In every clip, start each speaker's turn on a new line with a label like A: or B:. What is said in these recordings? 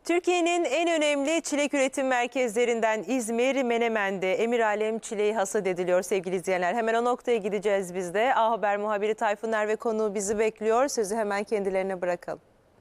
A: Türkiye'nin en önemli çilek üretim merkezlerinden İzmir Menemen'de Emiralem çileği hasat ediliyor sevgili izleyenler. Hemen o noktaya gideceğiz biz de. A Haber muhabiri Tayfun ve konuğu bizi bekliyor. Sözü hemen kendilerine bırakalım.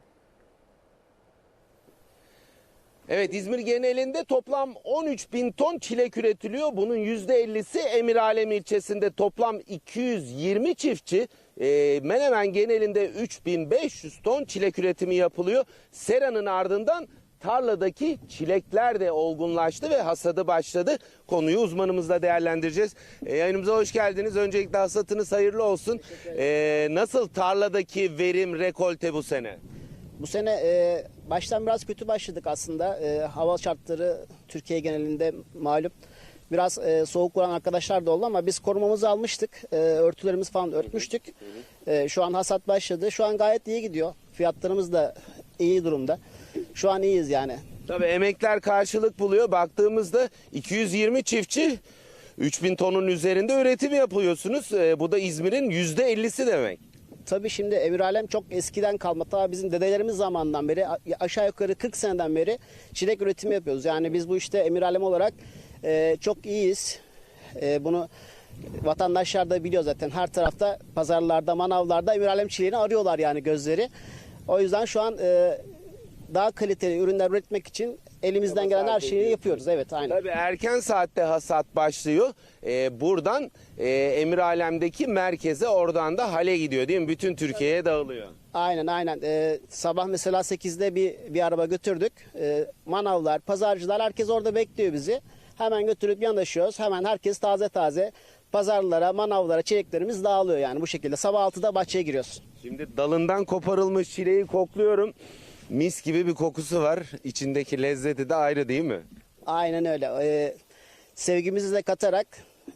B: Evet, İzmir genelinde toplam 13.000 ton çilek üretiliyor. Bunun %50'si Emiralem ilçesinde toplam 220 çiftçi. Menemen genelinde 3.500 ton çilek üretimi yapılıyor. Sera'nın ardından tarladaki çilekler de olgunlaştı ve hasadı başladı. Konuyu uzmanımızla değerlendireceğiz. Yayınımıza hoş geldiniz. Öncelikle hasatınız hayırlı olsun. Nasıl tarladaki verim, rekolte bu sene?
C: Bu sene baştan biraz kötü başladık aslında. Hava şartları Türkiye genelinde malum. Biraz soğuk vuran arkadaşlar da oldu ama biz korumamızı almıştık. Örtülerimizi falan örtmüştük. Şu an hasat başladı. Şu an gayet iyi gidiyor. Fiyatlarımız da iyi durumda. Şu an iyiyiz yani.
B: Tabii emekler karşılık buluyor. Baktığımızda 220 çiftçi 3.000 tonun üzerinde üretim yapıyorsunuz. Bu da İzmir'in %50'si demek.
C: Tabii şimdi Emiralem çok eskiden kalma. Ta bizim dedelerimiz zamanından beri aşağı yukarı 40 seneden beri çilek üretimi yapıyoruz. Yani biz bu işte Emiralem olarak çok iyiyiz. Bunu vatandaşlar da biliyor zaten. Her tarafta pazarlarda, manavlarda Emiralem çileğini arıyorlar yani gözleri. O yüzden şu an daha kaliteli ürünler üretmek için elimizden gelen her şeyi yapıyoruz. Evet, aynen.
B: Tabii erken saatte hasat başlıyor. Buradan Emiralem'deki merkeze, oradan da hale gidiyor değil mi? Bütün Türkiye'ye dağılıyor.
C: Aynen. Sabah mesela 8'de bir araba götürdük. Manavlar, pazarcılar herkes orada bekliyor bizi. Hemen götürüp yanaşıyoruz. Hemen herkes taze pazarlara, manavlara çileklerimiz dağılıyor yani bu şekilde. Sabah 6'da bahçeye giriyoruz.
B: Şimdi dalından koparılmış çileği kokluyorum. Mis gibi bir kokusu var. İçindeki lezzeti de ayrı değil mi?
C: Aynen öyle. Sevgimizi de katarak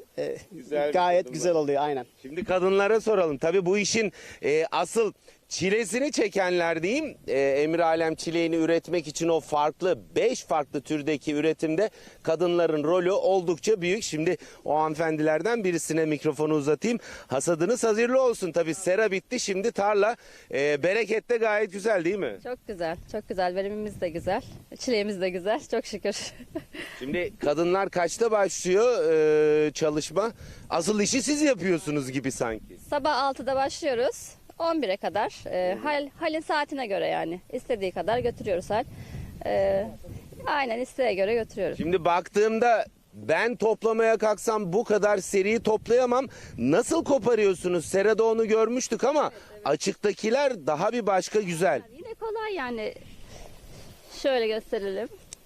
C: gayet güzel oluyor aynen.
B: Şimdi kadınlara soralım. Tabii bu işin asıl çilesini çekenler diyeyim. Emiralem çileğini üretmek için o farklı 5 farklı türdeki üretimde kadınların rolü oldukça büyük. Şimdi o hanımefendilerden birisine mikrofonu uzatayım. Hasadınız hayırlı olsun. Tabii sera bitti. Şimdi tarla bereket de gayet güzel değil mi?
D: Çok güzel, çok güzel. Verimimiz de güzel. Çileğimiz de güzel. Çok şükür.
B: Şimdi kadınlar kaçta başlıyor çalışma? Asıl işi siz yapıyorsunuz gibi sanki.
D: Sabah 6'da başlıyoruz. 11'e kadar. Halin saatine göre yani. İstediği kadar götürüyoruz hal. Aynen isteğe göre götürüyoruz.
B: Şimdi baktığımda ben toplamaya kalksam bu kadar seriyi toplayamam. Nasıl koparıyorsunuz? Serada onu görmüştük ama açıktakiler daha bir başka güzel.
D: Yine kolay yani. Şöyle gösterelim.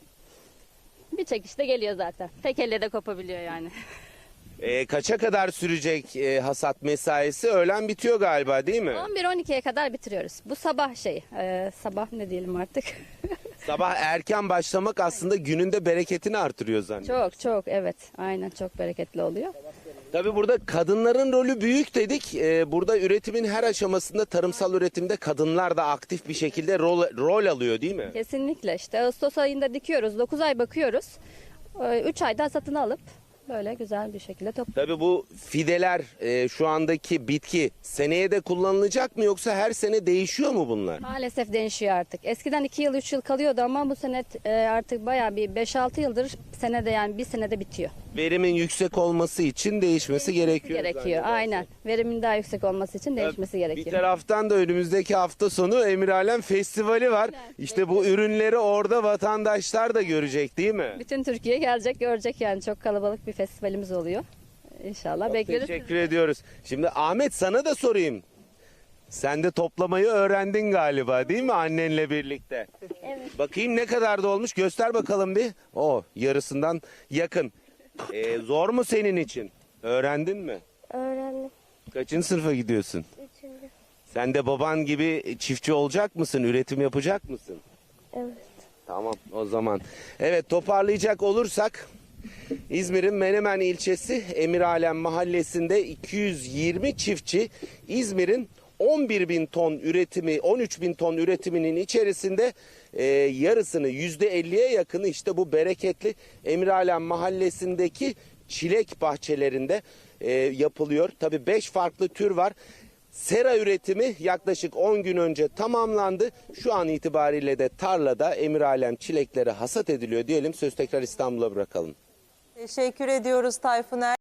D: Bir çekişte geliyor zaten. Tek elle de kopabiliyor yani.
B: Kaça kadar sürecek hasat mesaisi? Öğlen bitiyor galiba değil mi?
D: 11-12'ye kadar bitiriyoruz. Bu sabah sabah ne diyelim artık.
B: Sabah erken başlamak aslında günün de bereketini artırıyor zannediyorum.
D: Çok evet. Aynen çok bereketli oluyor.
B: Tabii burada kadınların rolü büyük dedik. Burada üretimin her aşamasında, tarımsal üretimde kadınlar da aktif bir şekilde rol alıyor değil mi?
D: Kesinlikle işte Ağustos ayında dikiyoruz. 9 ay bakıyoruz. 3 ayda hasatını alıp böyle güzel bir şekilde topluyoruz.
B: Tabii bu fideler, şu andaki bitki seneye de kullanılacak mı yoksa her sene değişiyor mu bunlar?
D: Maalesef değişiyor artık. Eskiden 2 yıl 3 yıl kalıyordu ama bu sene artık bayağı bir 5-6 yıldır senede yani bir senede bitiyor.
B: Verimin yüksek olması için değişmesi gerekiyor.
D: Aynen. Verimin daha yüksek olması için değişmesi
B: Bir
D: gerekiyor.
B: taraftan da önümüzdeki hafta sonu Emiralem Festivali var. İşte bu ürünleri orada vatandaşlar da görecek değil mi?
D: Bütün Türkiye gelecek görecek yani çok kalabalık bir festivalimiz oluyor. İnşallah bekleriz.
B: Teşekkür ediyoruz. Şimdi Ahmet sana da sorayım. Sen de toplamayı öğrendin galiba değil mi annenle birlikte? Evet. Bakayım ne kadar da olmuş göster bakalım bir. Yarısından yakın. Zor mu senin için? Öğrendin mi?
E: Öğrendim.
B: Kaçıncı sınıfa gidiyorsun?
E: 3.
B: Sen de baban gibi çiftçi olacak mısın? Üretim yapacak mısın?
E: Evet.
B: Tamam o zaman. Evet toparlayacak olursak İzmir'in Menemen ilçesi Emiralem mahallesinde 220 çiftçi İzmir'in 11.000 ton üretimi, 13.000 ton üretiminin içerisinde yarısını %50'ye yakını işte bu bereketli Emiralem mahallesindeki çilek bahçelerinde yapılıyor. Tabii 5 farklı tür var. Sera üretimi yaklaşık 10 gün önce tamamlandı. Şu an itibariyle de tarlada Emiralem çilekleri hasat ediliyor diyelim. Söz tekrar İstanbul'a bırakalım.
A: Teşekkür ediyoruz Tayfun Er.